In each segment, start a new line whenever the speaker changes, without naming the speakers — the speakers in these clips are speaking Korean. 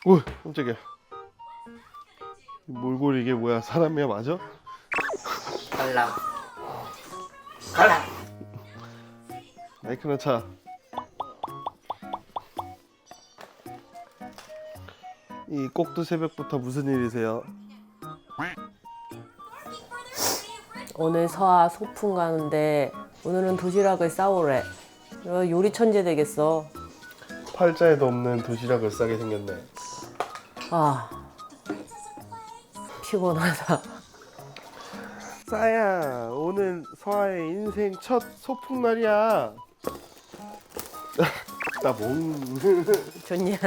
오, 깜짝이야. 몰골이 이게 뭐야? 사람이야 맞아?
갈랑. 갈랑.
마이크나 차. 이 꼭두 새벽부터 무슨 일이세요?
오늘 서아 소풍 가는데 오늘은 도시락을 싸오래. 요리 천재 되겠어.
팔자에도 없는 도시락을 싸게 생겼네.
아, 피곤하다.
싸야, 오늘 서아의 인생 첫 소풍 날이야. 따봉.
좋냐?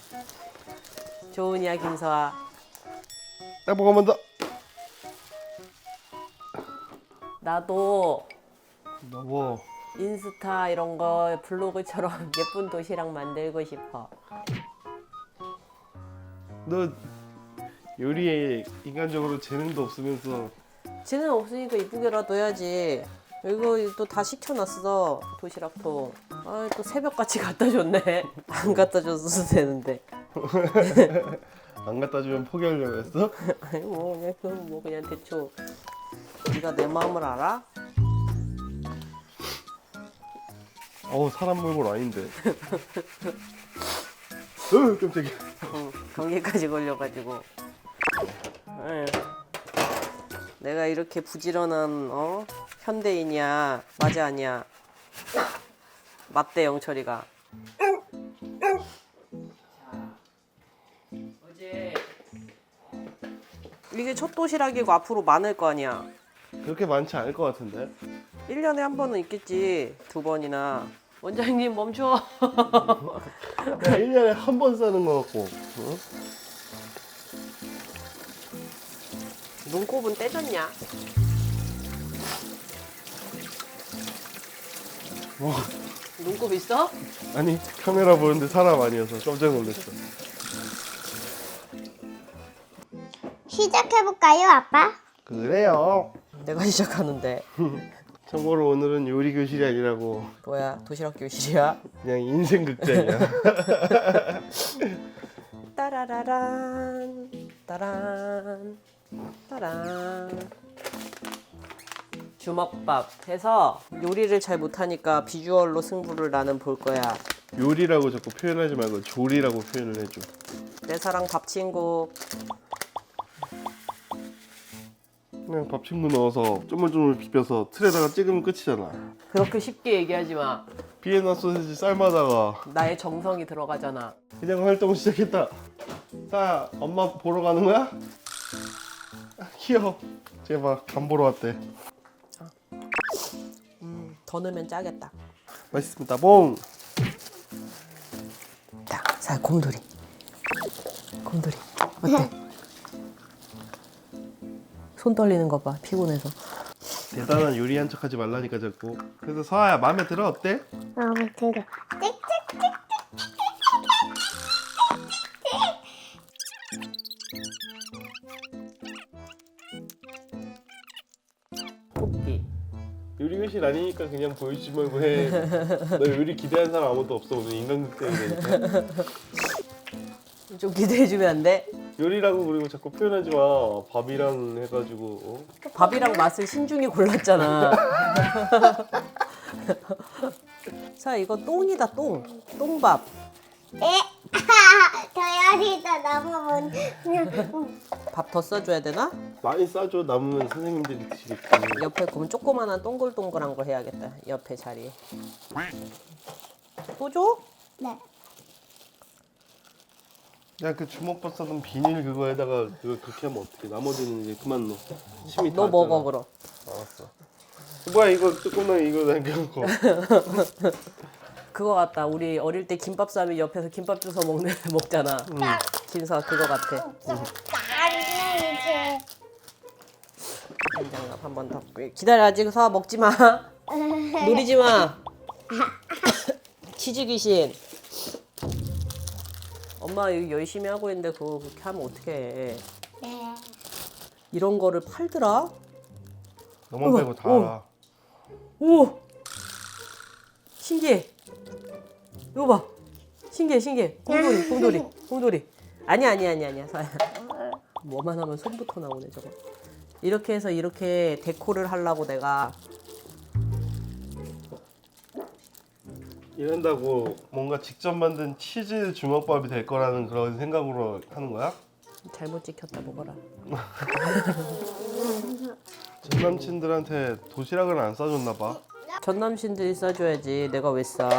좋으냐 김서아?
따봉 한 번 더.
나도
너무
인스타 이런 거 블로그처럼 예쁜 도시락 만들고 싶어.
너 요리에 인간적으로 재능도 없으면서
쟤는 없으니까 이쁘게라도 해야지. 이거 또 다 시켜놨어 도시락통. 아, 또 새벽같이 갖다 줬네. 안 갖다 줬어도 되는데.
안 갖다 주면 포기하려고 했어?
아니 뭐 그냥 대충. 네가 내 마음을 알아?
어우, 사람 몰골 아닌데. 깜짝이야.
응, 감기까지 걸려가지고. 에휴, 내가 이렇게 부지런한 현대인이야. 맞아 아니야? 맞대 영철이가. 어제 이게 첫 도시락이고 앞으로 많을 거 아니야.
그렇게 많지 않을 것 같은데?
1년에 한 번은 있겠지. 2번이나. 원장님 멈춰.
그냥 1년에 한 번 싸는 거 같고. 어?
눈곱은 떼졌냐?
와,
눈곱 있어?
아니, 카메라 보는데 사람 아니어서 깜짝 놀랐어.
시작해볼까요, 아빠?
그래요.
내가 시작하는데.
참고로 오늘은 요리 교실이 아니라고
뭐야, 도시락 교실이야?
그냥 인생 극장이야.
따라라란 따란 따란. 주먹밥 해서 요리를 잘 못하니까 비주얼로 승부를 나는 볼 거야.
요리라고 자꾸 표현하지 말고 조리라고 표현을 해줘.
내 사랑 밥 친구.
그냥 밥 친구 넣어서 쪼물쪼물 비벼서 틀에다가 찍으면 끝이잖아.
그렇게 쉽게 얘기하지 마.
비엔나 소세지 삶아다가
나의 정성이 들어가잖아.
그냥 활동 시작했다. 자, 엄마 보러 가는 거야? 아, 귀여워. 제발 간 보러 왔대.
더 넣으면 짜겠다.
맛있습니다. 봉.
자, 곰돌이. 곰돌이. 어때? 손 떨리는 거 봐. 피곤해서.
대단한 요리한 척하지 말라니까 자꾸. 그래서 서아야 마음에 들어? 어때?
마음에 들어.
뽑기.
요리 교실 아니니까 그냥 보여주지 말고 해. 너 요리 기대하는 사람 아무도 없어. 오늘 인간극장이 되니까.
좀 기대해주면 안 돼?
요리라고 그리고 자꾸 표현하지 마. 밥이랑 해가지고. 어?
밥이랑 맛을 신중히 골랐잖아. 자, 이거 똥이다, 똥. 똥밥.
도열이다 너무
밥 더 써줘야 되나?
많이 싸줘. 남으면 선생님들이 드시겠지.
옆에 그럼 조그만한 동글동글한 거 해야겠다. 옆에 자리에. 또 줘?
네.
야, 그 주먹밥 싸던 비닐 그거에다가 그거 그렇게 하면 어떡해. 나머지는 이제 그만 넣어. 침이
너
다
먹어
왔잖아.
그럼.
알았어. 뭐야 이거 조금만 이거 남겨놓고.
그거 같다. 우리 어릴 때 김밥 싸면 옆에서 김밥 주워 먹잖아. 김서아 그거 같아.
나는 이제
된장갑 한 번 덮고. 기다려, 아직 서아 먹지 마. 노리지 마. 치즈 귀신. 엄마 이거 열심히 하고 있는데 그거 그렇게 하면 어떡해.
네.
이런 거를 팔더라?
너만 빼고 다 알아.
오! 신기해. 이거 봐. 신기해. 곰돌이. 아니야 서아야. 뭐만 하면 손부터 나오네 저거. 이렇게 해서 이렇게 데코를 하려고 내가.
이런다고 뭔가 직접 만든 치즈 주먹밥이 될 거라는 그런 생각으로 하는 거야?
잘못 찍혔다 먹어라.
전 남친들한테 도시락을 안 싸줬나 봐.
전 남친들이 싸줘야지 내가 왜 싸.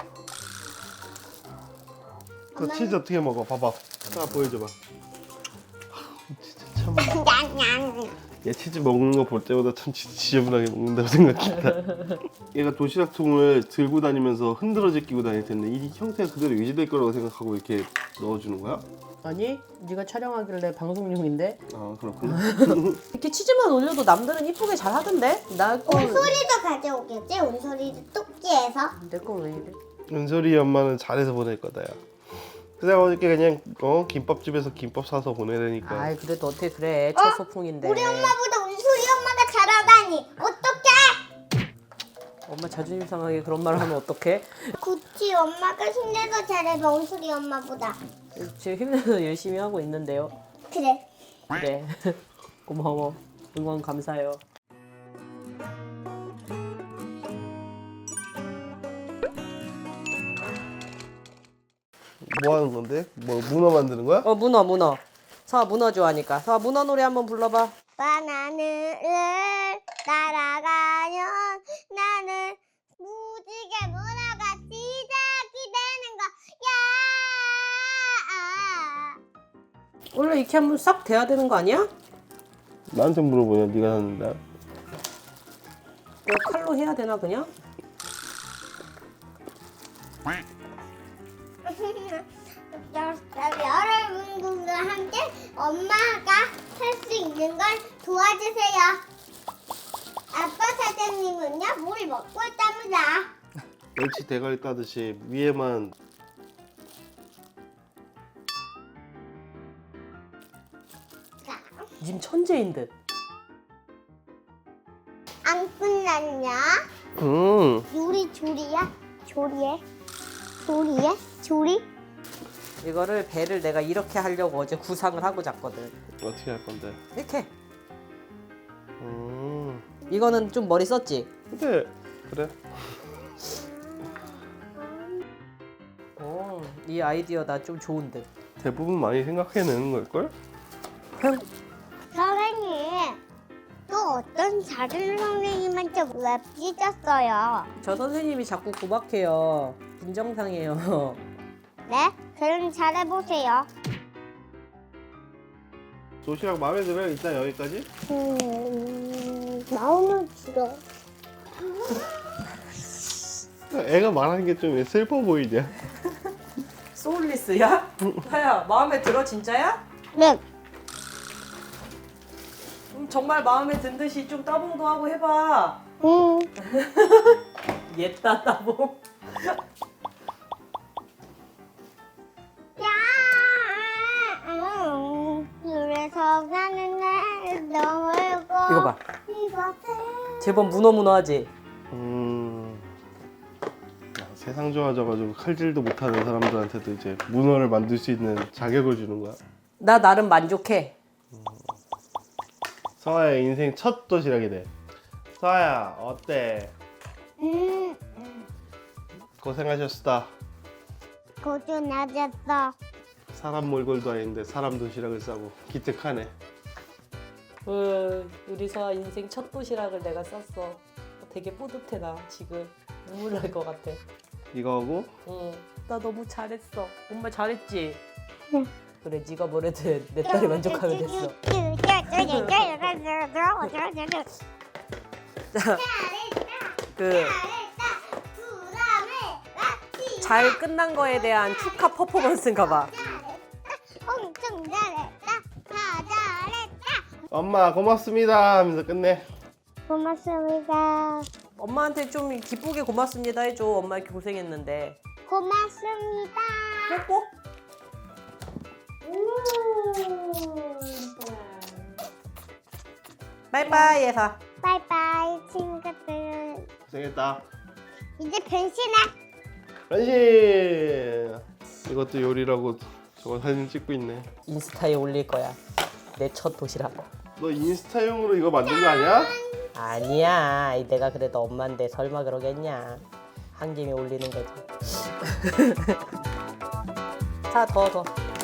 그 치즈 어떻게 먹어? 봐봐. 딱 보여줘봐. 진짜 참. 얘 치즈 먹는 거 볼 때마다 참 지저분하게 먹는다고 생각했다. 얘가 도시락통을 들고 다니면서 흔들어져 끼고 다닐 텐데 이 형태가 그대로 유지될 거라고 생각하고 이렇게 넣어주는 거야?
아니 네가 촬영하길래 방송용인데.
아 그렇구나.
이렇게 치즈만 올려도 남들은 이쁘게 잘 하던데?
온소리도 가져오겠지? 온소리도 뚝지해서.
내 건 왜 이래?
은솔이 엄마는 잘해서 보낼 거다 야. 그냥 어저께 그냥 김밥집에서 김밥 사서 보내려니까.
아이 그래도 어떻게 그래 첫 소풍인데.
우리 엄마보다 온소리 엄마가 잘하다니. 어떡해?
엄마 자존심 상하게 그런 말을 하면 어떡해?
그치 엄마가 힘내서 잘해 온소리 엄마보다.
지금 힘내서 열심히 하고 있는데요.
그래.
그래. 고마워. 응원 감사해요.
뭐 하는 건데? 뭐 문어 만드는 거야?
문어. 서아 문어 좋아하니까. 서아 문어 노래 한번 불러봐.
바나나를 따라가면 나는 무지개 문화가 시작이 되는 거야.
원래 이렇게 한번 싹 돼야 되는 거 아니야?
나한테 물어보냐? 네가 하는데.
내가 칼로 해야 되나 그냥?
여러분들과 함께 엄마가 할 수 있는 걸 도와주세요. 아빠 사장님은요 물 먹고 있답니다.
멸치 대가리 따듯이 위에만
자,
님 천재인 듯.
안 끝났냐? 요리 조리야? 조리해? 조리?
이거를 배를 내가 이렇게 하려고 어제 구상을 하고 잤거든.
어떻게 할 건데?
이렇게.
음.
이거는 좀 머리 썼지?
근데 그래.
이 아이디어 나 좀 좋은 듯.
대부분 많이 생각해내는 걸걸?
선생님 또 어떤 다른 선생님한테 왜 삐졌어요?
저 선생님이 자꾸 구박해요. 빈정상해요.
네? 그럼 잘해보세요.
도시락 마음에 들어요? 일단 여기까지?
마음은 들어.
애가 말하는 게 좀 슬퍼 보이냐?
소울리스야? 하야 마음에 들어 진짜야?
네.
정말 마음에 든 듯이 좀 따봉도 하고 해봐. 옛다 따봉.
그래서 가는 날 너무
이거 봐.
이것을
제법 문어문어하지?
세상 좋아져가지고 칼질도 못하는 사람들한테도 이제 문어를 만들 수 있는 자격을 주는 거야.
나 나름 만족해.
서아의 인생 첫 도시락이네. 서아야 어때? 고생하셨다.
고생하셨어.
사람 몰골도 아닌데 사람 도시락을 싸고 기특하네.
우리 서아 인생 첫 도시락을 내가 쌌어. 되게 뿌듯해 나 지금. 눈물 날 것 같아.
이거 하고
나 너무 잘했어. 엄마 잘했지?
응.
그래 네가 뭐래도 내 딸이 만족하면 됐어. 자, 잘 끝난 거에 대한 축하 퍼포먼스인가 봐.
엄청 잘했다. 다 잘했다.
엄마 고맙습니다 하면서 끝내.
고맙습니다.
엄마한테 좀 기쁘게 고맙습니다 해줘. 엄마 이렇게 고생했는데.
고맙습니다.
뽀뽀? 바이바이 해서.
바이바이 친구들.
고생했다.
이제 변신해.
변신. 이것도 요리라고 저거 사진 찍고 있네.
인스타에 올릴 거야. 내 첫 도시락.
너 인스타용으로 이거 만든 거 아니야?
아니야. 내가 그래도 엄마인데 설마 그러겠냐. 한 김에 올리는 거지. 자, 더.